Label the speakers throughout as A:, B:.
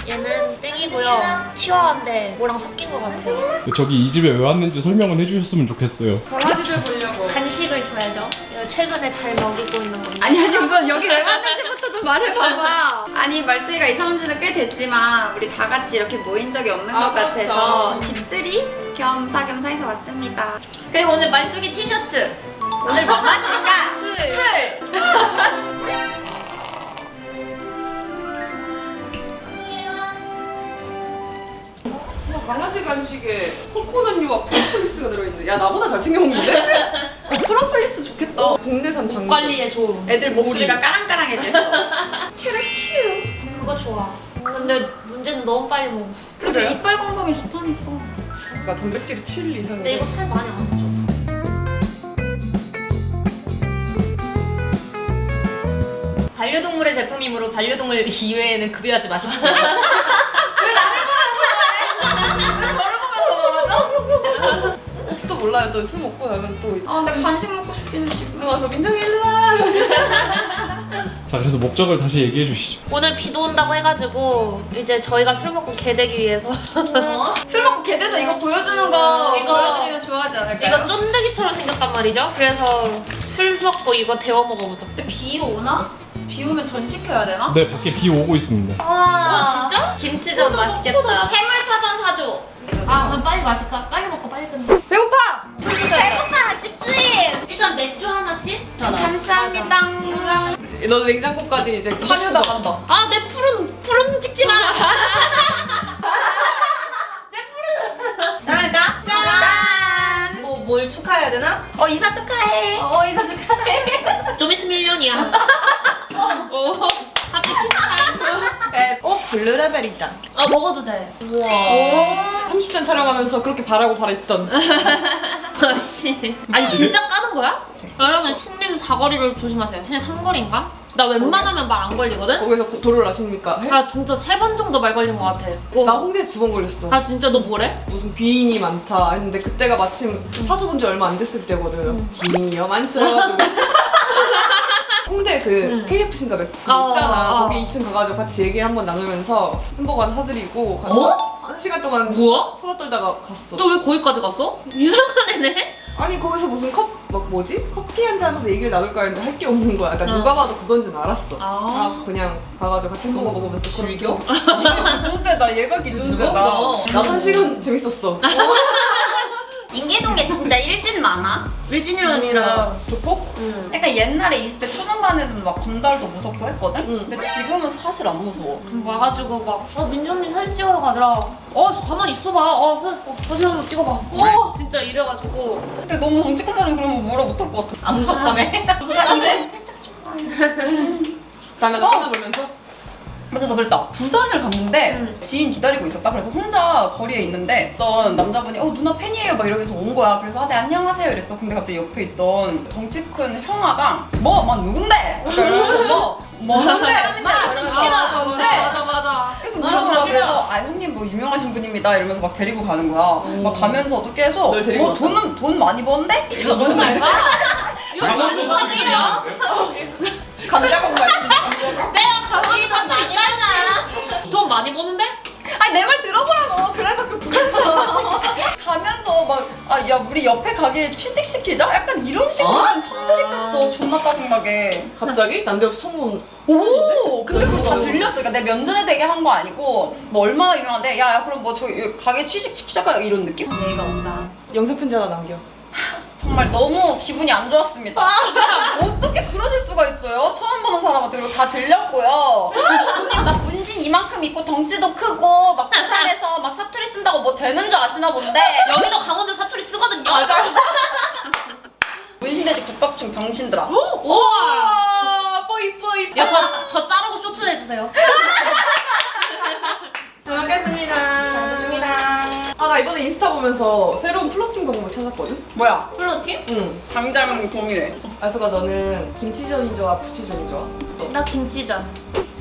A: 얘는 땡이고요. 치와와인데 뭐랑 섞인 것 같아요.
B: 저기 이 집에 왜 왔는지 설명은 해주셨으면 좋겠어요.
C: 강아지들 보려고.
A: 간식을 줘야죠. 이거 최근에 잘 먹이고 있는 건데.
D: 아니 우선 여기 왜 왔는지부터 좀 말해봐봐. 아니 말수이가 이사 온 지는 꽤 됐지만 우리 다 같이 이렇게 모인 적이 없는 것 같아서
C: 그렇죠.
D: 집들이 겸사겸사 해서 왔습니다. 그리고 오늘 말숙이 티셔츠. 오늘 뭐 마실까? 술!
C: 강아지 간식에 코코넛유와 프로폴리스가 들어있어. 야 나보다 잘 챙겨 먹는데? 프로폴리스 좋겠다. 국내산 당근.
A: 관리에 좋은.
D: 애들 목소리가 까랑까랑해졌어.
A: 그거 좋아. 근데 문제는 너무 빨리 먹어.
D: 근데 이빨 건강에 좋다니까.
C: 그러니까 단백질이 7 이상.
A: 근데 이거 살 많이 안 쪄.
E: 반려동물의 제품이므로 반려동물 이외에는 급여하지 마십시오.
C: 혹시도 몰라요. 또 술 먹고 나면 또 이제
D: 아 근데 간식 먹고 싶기는 지금.
C: 가서 민정이 일로 와.
B: 자, 그래서 목적을 다시 얘기해 주시죠.
A: 오늘 비도 온다고 해가지고 이제 저희가 술 먹고 개 되기 위해서
D: 술 먹고 개 돼서 이거 보여주는 거
A: 이거-
D: 보여드리면 좋아하지 않을까요?
A: 이거 쫀득이처럼 생겼단 말이죠. 그래서 술 먹고 이거 데워 먹어보자.
D: 근데 비 오나? 비 오면 전시켜야 되나?
B: 네, 밖에 비 오고 있습니다.
E: 와
A: 진짜?
E: 김치전 맛있겠다.
D: 해물파전 사줘.
A: 아 그럼 빨리 마실까? 빨리 먹고 빨리 끝내.
C: 배고파.
D: 배고파 집주인.
A: 일단 맥주 하나씩.
D: 감사합니다.
C: 너 냉장고까지 이제 파묘다 간다.
A: 아 내 푸른 찍지 마.
D: 짠할까? 짠.
E: 뭘 축하해야 되나?
D: 이사 축하해.
E: 이사 축하해.
A: 좀 있으면 1년이야. 오 하피 키스타임.
D: 블루레벨이다.
A: 아 먹어도 돼.
E: 우와.
C: 30전 촬영하면서 그렇게 바라고 바랬던.
A: 아씨. 아니 진짜 까는 거야? 여러분 신림 사거리를 조심하세요. 신림 삼거리인가? 나 웬만하면 말 안 걸리거든?
C: 거기서 도로를 아십니까?
A: 아 진짜 3번 정도 말 걸린 것 같아.
C: 나 홍대에서 2번 걸렸어.
A: 아 진짜 너 뭐래?
C: 무슨 귀인이 많다 했는데 그때가 마침 사주 본 지 얼마 안 됐을 때거든. 귀인이요 많죠. 홍대 그 KFC인가 맥주 있잖아. 거기 2층 가가지고 같이 얘기 한번 나누면서 햄버거 하나 사드리고 한 시간 동안
A: 뭐야?
C: 수다 떨다가 갔어.
A: 너 왜 거기까지 갔어? 이상한 애네?
C: 아니 거기서 무슨 커피 한 잔 하면서 얘기를 나눌까 했는데 할 게 없는 거야. 그러니까 누가 봐도 그건 줄 알았어.
A: 아.
C: 그냥 가가지고 같이 햄버거 먹으면서
E: 즐겨?
C: 기존세다. 얘가 기존세다.
E: 무겁다.
C: 나도 한 시간 재밌었어.
D: 인계동에 진짜 일진 많아.
A: 일진이랑 아니라
C: 조폭?
D: 약간 옛날에 20대 초중반에는 막 검달도 무섭고 했거든?
C: 응.
D: 근데 지금은 사실 안 무서워.
A: 와가지고 막 민정님 사진 찍어요 가더라. 가만히 있어봐. 사진 한번 찍어봐. 진짜 이래가지고
D: 근데 너무 정직한 사람이 그러면 뭐라 못할 것 같아.
E: 안 무섭다며?
D: 근데 살짝 좀.
C: 나는 쳐다보면서
D: 맞아, 나 그랬다. 부산을 갔는데 지인 기다리고 있었다. 그래서 혼자 거리에 있는데 어떤 남자분이 누나 팬이에요 막 이러면서 온 거야. 그래서 네 안녕하세요 이랬어. 근데 갑자기 옆에 있던 덩치 큰 형아가 막 누군데? 이러면서 누군데?
A: 맞아.
D: 계속 물어보라. 그래서 형님 뭐 유명하신 분입니다 이러면서 막 데리고 가는 거야. 막 가면서도 계속
C: 널 데리고
D: 돈 많이 버는데?
A: 이거 무슨 말이야? 이거 무슨 사기야?
C: 감자국 말씀.
A: 내가 가기 전 많이 벌잖아. 돈 많이 버는데?
D: 아니 내 말 들어보라고. 그래서 그 부산에서 가면서 막 야 우리 옆에 가게에 취직시키자? 약간 이런 식으로 좀 성드립했어. 존나 짜증나게.
C: 갑자기 난데없이 청문.
D: 오! 근데 그거 다 들렸어. 그러니까 내 면전에 되게 한 거 아니고 뭐 얼마나 유명한데 야 그럼 뭐 저기 가게 취직시키자 이런 느낌?
E: 얘가 온다.
C: 영상 편지 하나 남겨.
D: 정말 너무 기분이 안 좋았습니다. 어떻게 그러실 수가 있어요? 처음 보는 사람한테. 그리고 다 들렸고요. 형님 막 문신 이만큼 있고 덩치도 크고 막 부산에서 막 사투리 쓴다고 뭐 되는 줄 아시나 본데.
A: 여기도 강원도 사투리 쓰거든요.
D: 문신돼지 국밥충 병신들아.
A: 우와.
C: 뽀이.
A: 저 자르고 쇼트 해주세요.
C: 잘 먹겠습니다.
D: 잘 먹습니다.
C: 나 이번에 인스타 보면서 새로운 플러팅 방법을 찾았거든?
D: 뭐야? 플러팅?
C: 응.
D: 당장 동의해.
C: 아수가 너는 김치전이 좋아? 부추전이 좋아?
A: 나 김치전.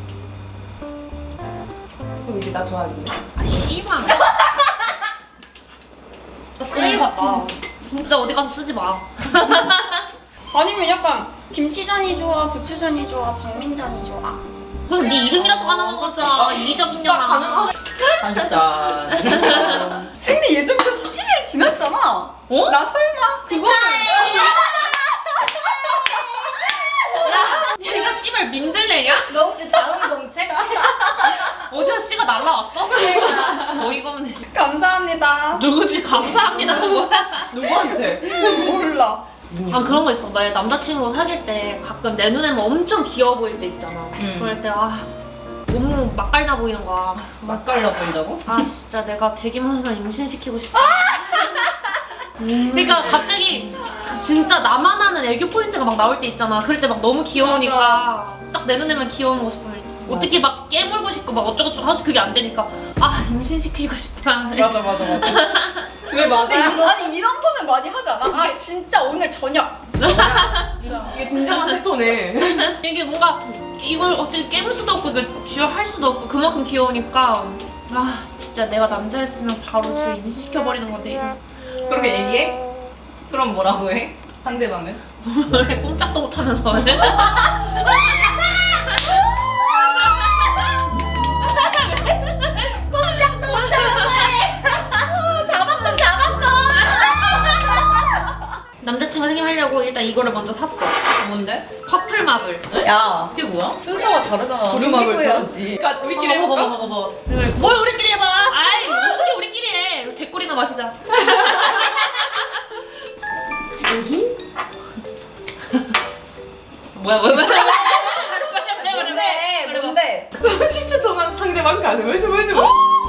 C: 그럼 이제 나 좋아하는데?
A: 씨발. 쓰레기 같다. 진짜 어디 가서 쓰지 마.
D: 아니면 약간 김치전이 좋아? 부추전이 좋아? 박민전이 좋아?
A: 그럼 네 이름이라서 가능한 거잖아. 이기적인 년아.
E: 진짜.
D: 생리 예정일로 10일 지났잖아.
A: 어?
D: 나 설마
A: 그거는 얘가 씨발 민들레냐?
E: 너 혹시 자웅동책?
A: 어디서 씨가 날라왔어? 어이가 없네.
D: 감사합니다.
A: 누구지? 감사합니다. 뭐야?
C: 누구한테?
D: 몰라.
A: 아 그런 거 있어. 만약 남자친구 사귈 때 가끔 내 눈에만 엄청 귀여워 보일 때 있잖아. 그럴 때 너무 맛깔나 보이는 거야.
E: 맛깔나 보인다고?
A: 아 진짜 내가 되기만 하면 임신시키고 싶어. 그러니까 갑자기 진짜 나만 아는 애교 포인트가 막 나올 때 있잖아. 그럴 때 막 너무 귀여우니까 딱 내 눈에만 귀여운 모습 보일 때 어떻게 막 깨물고 싶고 막 어쩌고저쩌고 하지 그게 안 되니까 임신시키고 싶다.
D: 맞아.
C: 왜 맞아?
D: 아니 이런 거는 많이 하지 않아? 아 진짜 오늘 저녁.
C: 이게 진정한 세토네.
A: 이게 뭔가 이걸 어떻게 깨물 수도 없고 이걸 쥐어할 수도 없고 그만큼 귀여우니까 진짜 내가 남자였으면 바로 지금 임신시켜버리는 건데
E: 그렇게 얘기해? 그럼 뭐라고 해? 상대방은?
A: 왜 꼼짝도 못하면서 남자친구 생김하려고 일단 이거를 먼저 샀어.
E: 뭔데?
A: 퍼플마블.
D: 야
E: 이게 뭐야?
D: 순서가 다르잖아.
C: 부르마블
D: 숨기고 해야지.
C: 우리끼리 해볼까?
E: 봐봐.
D: 뭘 우리끼리 해봐.
A: 아이 어떻게 우리끼리 해. 대꿀이나 마시자. 뭐야
D: 뭔데?
C: 10초 동안 상대방 가능을 좀 해줘.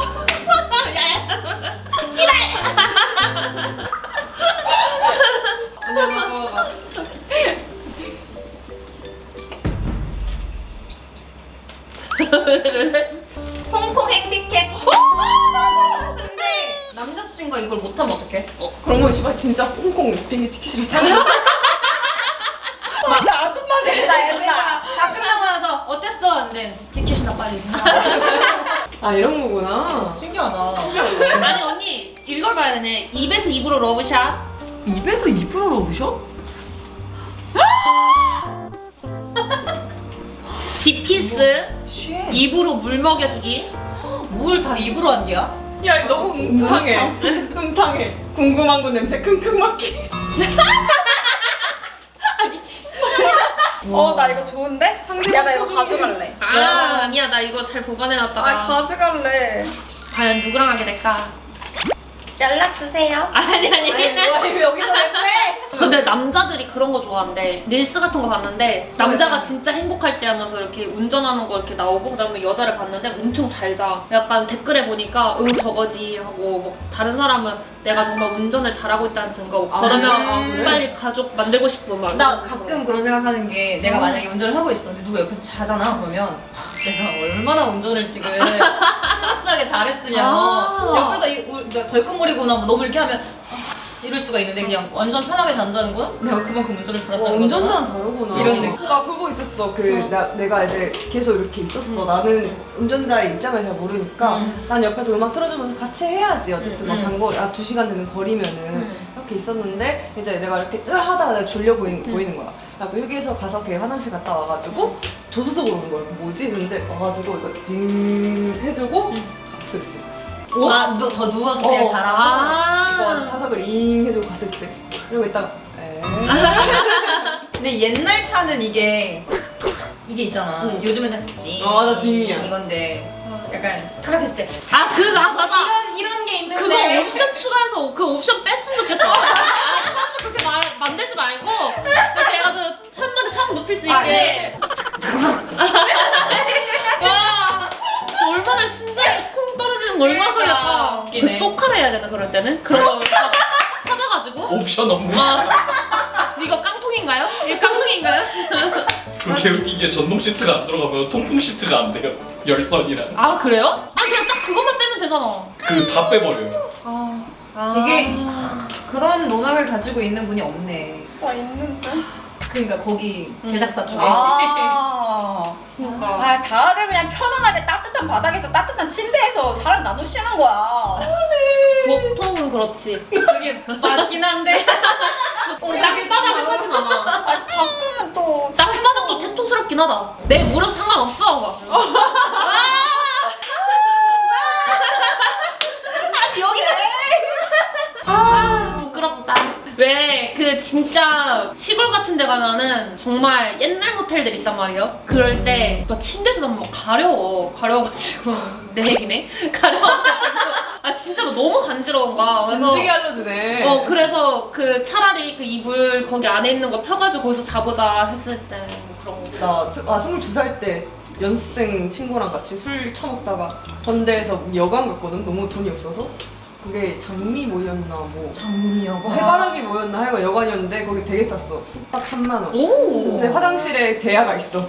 E: 홍콩 행티켓. 근데 남자친구가 이걸 못하면 어떡해?
C: 그런 거 씨발 진짜 홍콩 비행기 티켓을 타는
D: 나 아줌마 된다 얘들아.
E: 다 끝나고 나서 어땠어? 근데 티켓이나 빨리.
C: 아 이런 거구나.
E: 신기하다.
A: 아니 언니 이걸 봐야 되네. 입에서 입으로 러브샷.
D: 입에서 입으로 러브샷?
A: 딥키스.
D: 쉣.
A: 입으로 물 먹여주기.
E: 뭘 다 입으로 한디야?
C: 야 이거 너무 음탕해. 음탕해. 궁금한 거 냄새 킁킁 맡기.
D: 나 이거 좋은데? 야 나 이거 가져갈래.
A: 아니야 나 이거 잘 보관해놨다가.
D: 가져갈래.
A: 과연 누구랑 하게 될까?
D: 연락 주세요.
A: 아니.
D: 왜 여기서 왜 빼?
A: 근데 남자들이 그런 거 좋아한대. 릴스 같은 거 봤는데 남자가 진짜 행복할 때 하면서 이렇게 운전하는 거 이렇게 나오고 그다음에 여자를 봤는데 엄청 잘 자. 약간 댓글에 보니까 저거지 하고 뭐 다른 사람은 내가 정말 운전을 잘하고 있다는 증거. 저러면
C: 그래?
A: 빨리 가족 만들고 싶은 막.
E: 나 가끔 그런 생각하는 게 내가 만약에 운전을 하고 있었는데 누가 옆에서 자잖아 그러면 내가 얼마나 운전을 지금 스무스하게 잘했으면 옆에서 내가 덜컹거리거나 뭐 너무 이렇게 하면 이럴 수가 있는데 그냥 완전 편하게 잔다는 건 내가 그만큼 운전을 잘했다는 거잖아.
C: 운전자는 다르구나.
E: 이런 느낌.
C: 나 그거 있었어. 내가 이제 계속 이렇게 있었어. 나는 운전자의 입장을 잘 모르니까 난 옆에서 음악 틀어주면서 같이 해야지. 어쨌든 막 장거리 2시간 되는 거리면은 이렇게 있었는데 이제 내가 이렇게 하다가 내가 졸려 보이는 거야. 야, 그 여기에서 가서 걔 화장실 갔다 와가지고 조수석으로 오는 거야. 뭐지? 이랬는데 와가지고 이거 징 해주고 갔을 때.
E: 더 누워서 그냥 자라고?
C: 이거 차석을 잉 해주고 갔을 때. 이러고 있다가
E: 근데 옛날 차는 이게 있잖아. 요즘에는 찡
C: 맞아, 찡이야.
E: 이건데 약간 타락했을 때
A: 맞아.
E: 이런 게 있는데
A: 그거 옵션 추가해서 그 옵션 뺐으면 좋겠어. 그렇게 만들지 말고 이렇게 해가지고 한 번에 확 눕힐 수 있게. 와, 얼마나 심장이 콩 떨어지는 거 얼마나 설렐까. 그
E: 웃기네.
A: 소카를 해야 되나 그럴 때는? 그런 거 찾아가지고.
B: 옵션 없네.
A: 이거 깡통인가요? 이거 깡통인가요?
B: 그렇게 웃긴 게 전동 시트가 안 들어가면 통풍 시트가 안 돼요. 열선이랑.
A: 아 그래요? 그냥 딱 그것만 빼면 되잖아.
B: 그 다 빼버려요.
E: 이게 그런 로망을 가지고 있는 분이 없네.
D: 나 있는데.
E: 그러니까 거기 제작사 쪽에
A: 그러니까.
D: 다들 그냥 편안하게 따뜻한 바닥에서 따뜻한 침대에서 사람 나누시는 거야.
A: 보통은 그렇지.
E: 그게 맞긴 한데
A: 땅바닥을 사진 않아.
D: 가끔은 또
A: 땅바닥도 태통스럽게 같긴 하다. 내 무릎 상관없어. 막. 아니 여기 부끄럽다. 왜 그 진짜 시골 같은 데 가면은 정말 옛날 모텔들 있단 말이에요. 그럴 때 막 침대에서 막 가려워가지고 내 얘기네. 가려워가지고 아 진짜 막 너무 간지러운 거야. 그래서
C: 진드기 알려주네.
A: 그래서 그 차라리 그 이불 거기 안에 있는 거 펴가지고 거기서 자보자 했을 때 뭐 그런 거.
C: 나 22살 때 연습생 친구랑 같이 술 처먹다가 건대에서 여관 갔거든. 너무 돈이 없어서. 그게 장미 모였나 뭐
E: 장미여고.
C: 해바라기 모였나 하여간 여관이었는데 거기 되게 쌌어. 숙박 3만 원.
A: 오.
C: 근데 화장실에 대야가 있어.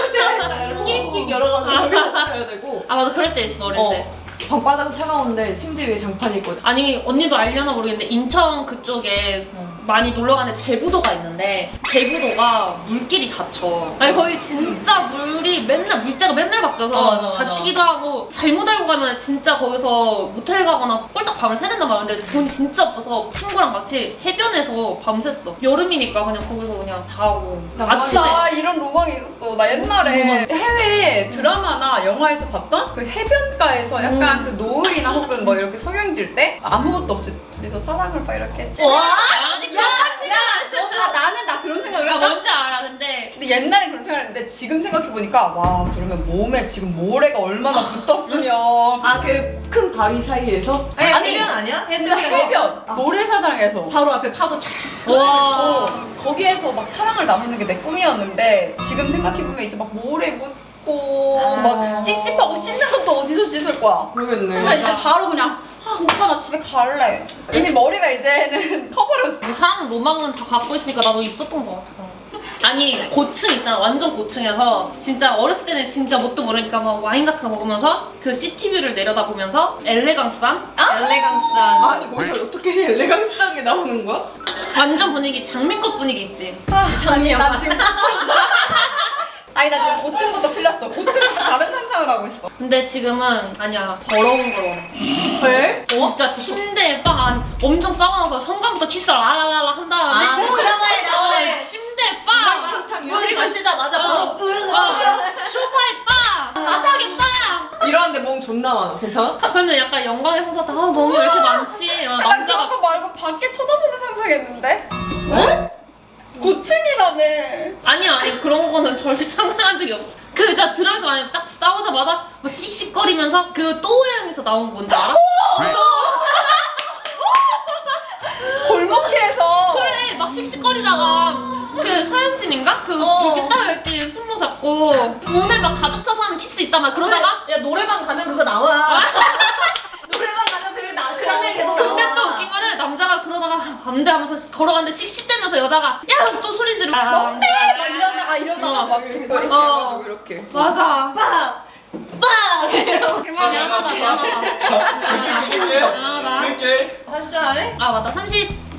E: 끼릭끼릭 열어가지고.
C: 거기서 되고
A: 아 맞아 그럴 때 있어 어릴 때.
C: 방바닥은 차가운데 침대 위에 장판이 있거든.
A: 아니 언니도 알려나 모르겠는데 인천 그쪽에 많이 놀러 가는 제부도가 있는데 제부도가 물길이 닫혀. 아니 거기 진짜 물이 맨날 물때가 맨날 바뀌어서
E: 맞아.
A: 다치기도 하고 잘못 알고 가면 진짜 거기서 모텔 가거나 꼴딱 밤을 새야 된단 말이야. 근데 돈이 진짜 없어서 친구랑 같이 해변에서 밤샜어. 여름이니까 그냥 거기서 그냥 자고 아침에
D: 나 이런 로망이 있었어. 나 옛날에 해외 드라마나 영화에서 봤던 그 해변가에서 약간 그 노을이나 혹은 뭐 이렇게 성형질 때 아무것도 없이 둘이서 사랑을 막 이렇게 했지.
A: 아니
D: 나는 나 그런 생각을
A: 나
D: 했다.
A: 뭔지 알아. 근데
D: 옛날에 그런 생각을 했는데 지금 생각해보니까 와 그러면 몸에 지금 모래가 얼마나 붙었으면
C: 아 그 큰 바위 사이에서
E: 아니 해변 아니야?
D: 진짜 해변 모래사장에서
E: 바로 앞에 파도 차.
A: 와.
D: 거기에서 막 사랑을 나누는 게 내 꿈이었는데 지금 생각해보면 이제 막 모래 묻고
E: 아.
D: 막 찝찝하고 씻는 것도 어디서 씻을 거야.
C: 모르겠네.
D: 그냥 이제 바로 그냥 오빠 나 집에 갈래. 이미 머리가 이제는 커버렸어.
A: 뭐 사랑 로망은 다 갖고 있으니까 나도 있었던 것 같아. 아니 고층 있잖아. 완전 고층에서 진짜 어렸을 때는 진짜 뭣도 모르니까 막 와인 같은 거 먹으면서 그 시티뷰를 내려다보면서 엘레강스한
E: 엘레강스한.
C: 아니 거기서 어떻게 엘레강스하게 나오는 거야?
A: 완전 분위기 장미꽃 분위기 있지.
D: 아니 나 지금 아니 나 지금 고층부터 틀렸어. 고층부터 다른 상상을 하고 있어.
A: 근데 지금은 아니야 더러운 걸 원해.
C: 왜?
A: 진짜 침대에 빵 엄청 싸워놔서 현관부터 키스를 라라라라 한 다음에
E: 아, 드라마에 나오네.
A: 침대에 빵
E: 물이 걸치자마자 바로
A: 소파에 빵 식탁에 빵.
C: 이러는데 멍 존나 많아. 괜찮아?
A: 근데 약간 영광의 상처다. 아 멍이 왜 이렇게 많지? 이러면
D: 난
A: 남자가
D: 그런 거 말고 밖에 쳐다보는 상상했는데. 고층이라며.
A: 아니 그런 거는 절대 상상한 적이 없어. 그 진짜 드라마에서 만약에 딱 싸우자마자 막 씩씩거리면서 그 또우양에서 나온 거 뭔지 알아?
D: 골목길에서
A: 그래 막 씩씩거리다가 그 서현진인가? 그 이렇게 딱 이렇게 숨모 잡고 문에 막 가족 차서 하는 키스 있다만 그러다가
E: 야 노래방 가면 그거 나와. 노래방 가면 그게 나. 그 장면 계속
A: 근데
E: 나와.
A: 또 웃긴 거는 남자가 그러다가 안돼 하면서 걸어가는데 씩씩대면서 여자가 야 또 소리 지르고 뭔데?
D: 막 이러다가 막 듣고 이렇게
A: 어.
D: 해가지고 이렇게.
A: 맞아.
E: 빵! 이러고.
A: 미안하다.
B: 자, 재밌게
A: 미안하다.
B: 할게.
E: 한잔 하네?
A: 아 맞다 30